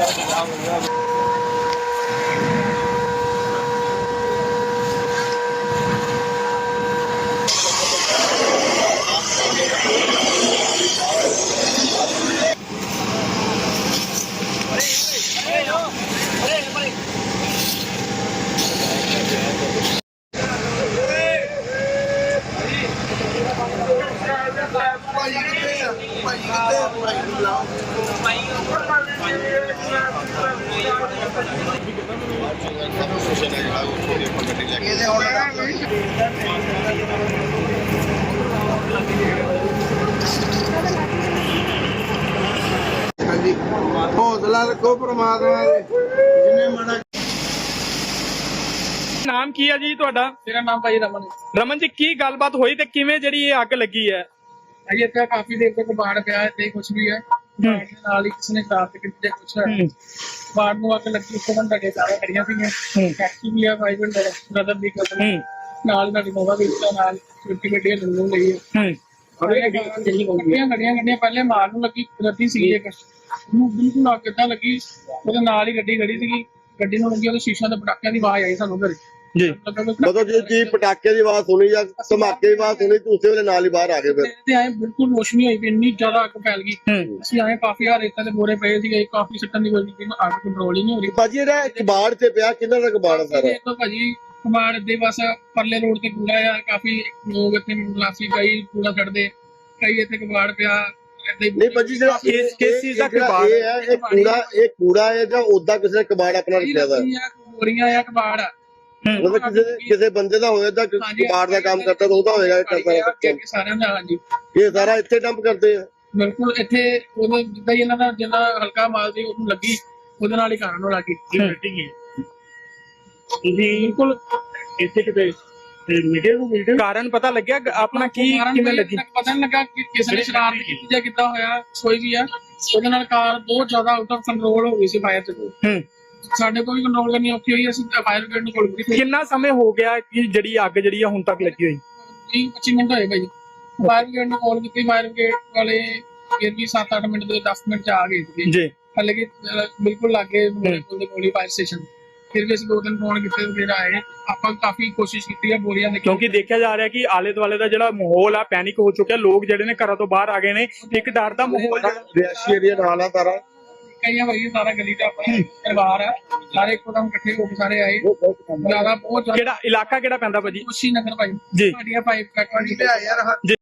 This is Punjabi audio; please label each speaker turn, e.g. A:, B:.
A: हौसला रखो परमात्मा दे जिन्ने माड़ा।
B: नाम की है जी ਤੁਹਾਡਾ?
C: मेरा नाम भाई रमन है।
B: ਰਮਨ ਜੀ ਕੀ ਗੱਲਬਾਤ ਹੋਈ ਤੇ ਕਿਵੇਂ ਜਿਹੜੀ ਇਹ ਅੱਗ ਲੱਗੀ ਹੈ?
C: भाई इतना काफी देर तक बाढ़ पे आए थे कुछ भी है बाढ़ के नाल ही किसी ने खराब किया कुछ है बाढ़ ਨੂੰ ਅੱਗ ਲੱਗੀ ਉਸ ਤੋਂ ਘੰਟੇ ਸਾਰਾ ਖੜੀਆਂ ਸੀਗੀਆਂ ਟੈਕਸੀ ਵੀ ਆ ਭਾਈ ਬ੍ਰਦਰ ਦੀ ਕੋਲ ਨਾਲ ਨਾਲ ਨੋਵਾ ਵੀ ਨਾਲ ਛੋਟੀ ਗੱਡੀ ਨੂੰ ਲਈ ਹੈ ਗੱਡੀਆਂ ਪਹਿਲੇ ਮਾਰ ਨੂੰ ਲੱਗੀ ਰੱਦੀ ਸੀ ਇੱਕ ਨੂੰ ਬਿਲਕੁਲ ਅੱਗ ਕਿੱਦਾਂ ਲੱਗੀ ਉਹਦੇ ਨਾਲ ਹੀ ਗੱਡੀ ਖੜੀ ਸੀਗੀ ਗੱਡੀ ਨੂੰ ਲੱਗੀ ਉਹਦੇ ਸ਼ੀਸ਼ਿਆਂ ਦੇ ਪਟਾਕਿਆਂ ਦੀ ਆਵਾਜ਼ ਆਈ ਸਾਨੂੰ ਘਰੇ
B: ਜੀ
A: मतलब जी पटाखे की आवाज सुनी या धमाके की आवाज सुनी तो उसे वेले नाल ही बाहर आ गए फिर
C: ਤੇ ਆਏ ਬਿਲਕੁਲ ਰੋਸ਼ਨੀ ਹੋਈ ਵੀ ਇੰਨੀ ਜ਼ਿਆਦਾ ਅੱਗ ਫੈਲ ਗਈ ਅਸੀਂ ਆਏ ਕਾਫੀ ਹਾਰ ਰੇਤਾਂ ਦੇ ਬੋਰੇ ਪਏ ਸੀਗੇ ਕਾਫੀ ਸੱਟਣ ਦੀ ਕੋਸ਼ਿਸ਼ ਕੀਤੀ ਅੱਗ ਕੰਟਰੋਲ ਹੀ ਨਹੀਂ ਹੋ ਰਹੀ
A: भाजी ਇਹਦਾ ਕਬਾੜ ਤੇ ਪਿਆ ਕਿੰਨਾ ਦਾ ਕਬਾੜ ਹੈ ਸਾਰਾ
C: ਦੇਖੋ ਭਾਜੀ ਕਬਾੜ ਦੇ ਬਸ ਪਰਲੇ ਰੋਡ ਤੇ ਕੂੜਾ ਆ ਕਾਫੀ ਲੋਕ ਇੱਥੇ ਮਲਾਸੀ ਕਈ ਕੂੜਾ ਛੱਡਦੇ ਕਈ ਇੱਥੇ ਕਬਾੜ ਪਿਆ
A: नहीं भाजी ਜਿਹੜਾ
B: ਕਿਸ ਚੀਜ਼ ਦਾ ਕਬਾੜ
A: ਇਹ ਹੈ ਇਹ ਕੂੜਾ ਹੈ ਜਾਂ ਉਦਾਂ ਕਿਸੇ ਨੇ ਕਬਾੜ ਆਪਣਾ ਰੱਖਿਆ ਦਾ
C: ਬੋਰੀਆਂ ਆ ਕਬਾੜ ਆ
A: मतलब ਕਿਸੇ ਬੰਦੇ ਦਾ ਹੋਇਆ ਤਾਂ ਕਬਾੜ ਦਾ ਕੰਮ ਕਰਦਾ ਤਾਂ ਉਹਦਾ ਹੋਏਗਾ
C: ਸਾਰਿਆਂ ਦਾ ਹਾਂਜੀ
A: ਇਹ ਸਾਰਾ ਇੱਥੇ ਡੰਪ ਕਰਦੇ ਆ
C: ਬਿਲਕੁਲ ਇੱਥੇ ਉਹ ਜਿੱਦਾਂ ਹੀ ਇਹਨਾਂ ਦਾ ਜਿੰਨਾ ਹਲਕਾ ਮਾਲ ਸੀ ਉਹਨੂੰ ਲੱਗੀ ਉਹਦੇ ਨਾਲ ਹੀ ਕਾਰਨ ਨੂੰ ਲੱਗੀ ਬਿਲਕੁਲ ਇੱਥੇ ਕਿਤੇ
B: ਕਾਰਨ ਪਤਾ ਲੱਗਿਆ ਆਪਣਾ ਕੀ ਕਿਵੇਂ ਲੱਗੀ?
C: ਪਤਾ ਨਹੀਂ ਲੱਗਾ ਕਿ ਕਿਸੇ ਨੇ ਸ਼ਰਾਰਤ ਕੀਤੀ ਜਾਂ ਕਿੱਦਾਂ ਹੋਇਆ ਕੋਈ ਵੀ ਆ ਉਹਦੇ ਨਾਲ ਕਾਰ ਬਹੁਤ ਜ਼ਿਆਦਾ ਆਊਟ ਆਫ ਕੰਟਰੋਲ ਹੋ ਗਈ ਸੀ ਫਾਇਰ ਤੇ ਸਾਡੇ ਕੋਲ ਵੀ ਕੰਟਰੋਲ ਕਰਨੀ ਔਖੀ ਹੋਈ ਅਸੀਂ ਫਾਇਰ ਬ੍ਰਿਗੇਡ ਨੂੰ ਕਾਲ ਕੀਤੀ।
B: ਕਿੰਨਾ ਸਮੇਂ ਹੋ ਗਿਆ ਕਿ ਜਿਹੜੀ ਅੱਗ ਜਿਹੜੀ ਆ ਹੁਣ ਤੱਕ ਲੱਗੀ ਹੋਈ?
C: 20-25 ਮਿੰਟ ਹੋਏ ਭਾਈ ਫਾਇਰ ਬ੍ਰਿਗੇਡ ਨੂੰ ਕਾਲ ਕੀਤੀ ਫਾਇਰ ਬ੍ਰਿਗੇਡ ਵਾਲੇ ਫਿਰ ਵੀ 7-8 ਮਿੰਟ ਦੇ 10 ਮਿੰਟ ਚ ਆ ਗਏ ਸੀ
B: ਜੀ
C: ਹਾਲੇ ਕਿ ਬਿਲਕੁਲ ਲਾਗੇ ਮੇਰੇ ਕੋਲ ਦੇ ਕੋਲ ਫਾਇਰ ਸਟੇਸ਼ਨ ਫਿਰ ਵੀ ਅਸੀਂ 2 ਦਿਨ ਫੋਨ ਕੀਤੇ ਫਿਰ ਆਏ ਆਪਾਂ ਕਾਫੀ ਕੋਸ਼ਿਸ਼ ਕੀਤੀ ਹੈ ਬੋਰੀਆਂ ਦੇ
B: ਕਿਉਂਕਿ ਦੇਖਿਆ ਜਾ ਰਿਹਾ ਕਿ ਆਲੇ ਦੁਆਲੇ ਦਾ ਜਿਹੜਾ ਮਾਹੌਲ ਆ ਪੈਨਿਕ ਹੋ ਚੁੱਕਿਆ ਲੋਕ ਜਿਹੜੇ ਨੇ ਘਰਾਂ ਤੋਂ ਬਾਹਰ ਆ ਗਏ ਨੇ ਇੱਕ ਡਰ ਦਾ ਮਾਹੌਲ
A: ਰਿਹਾਇਸ਼ੀ ਏਰੀਆ ਨਾਲ ਆ ਸਾਰਾ
C: ਕਈ ਭਾਈ ਸਾਰਾ ਗਲੀ ਦਾ ਆਪਣਾ ਪਰਿਵਾਰ ਆ ਸਾਰੇ ਇੱਕਦਮ ਇਕੱਠੇ ਹੋ ਕੇ ਸਾਰੇ ਆਏ ਜ਼ਿਆਦਾ ਬਹੁਤ
B: ਕਿਹੜਾ ਇਲਾਕਾ ਕਿਹੜਾ ਪੈਂਦਾ ਭਾਜੀ?
C: ਖੁਸ਼ੀ ਨਗਰ ਭਾਈ
B: ਜੀ
C: ਸਾਡੀਆਂ 5 ਫੈਕਟਰੀ ਤੇ ਆਏ ਯਾਰ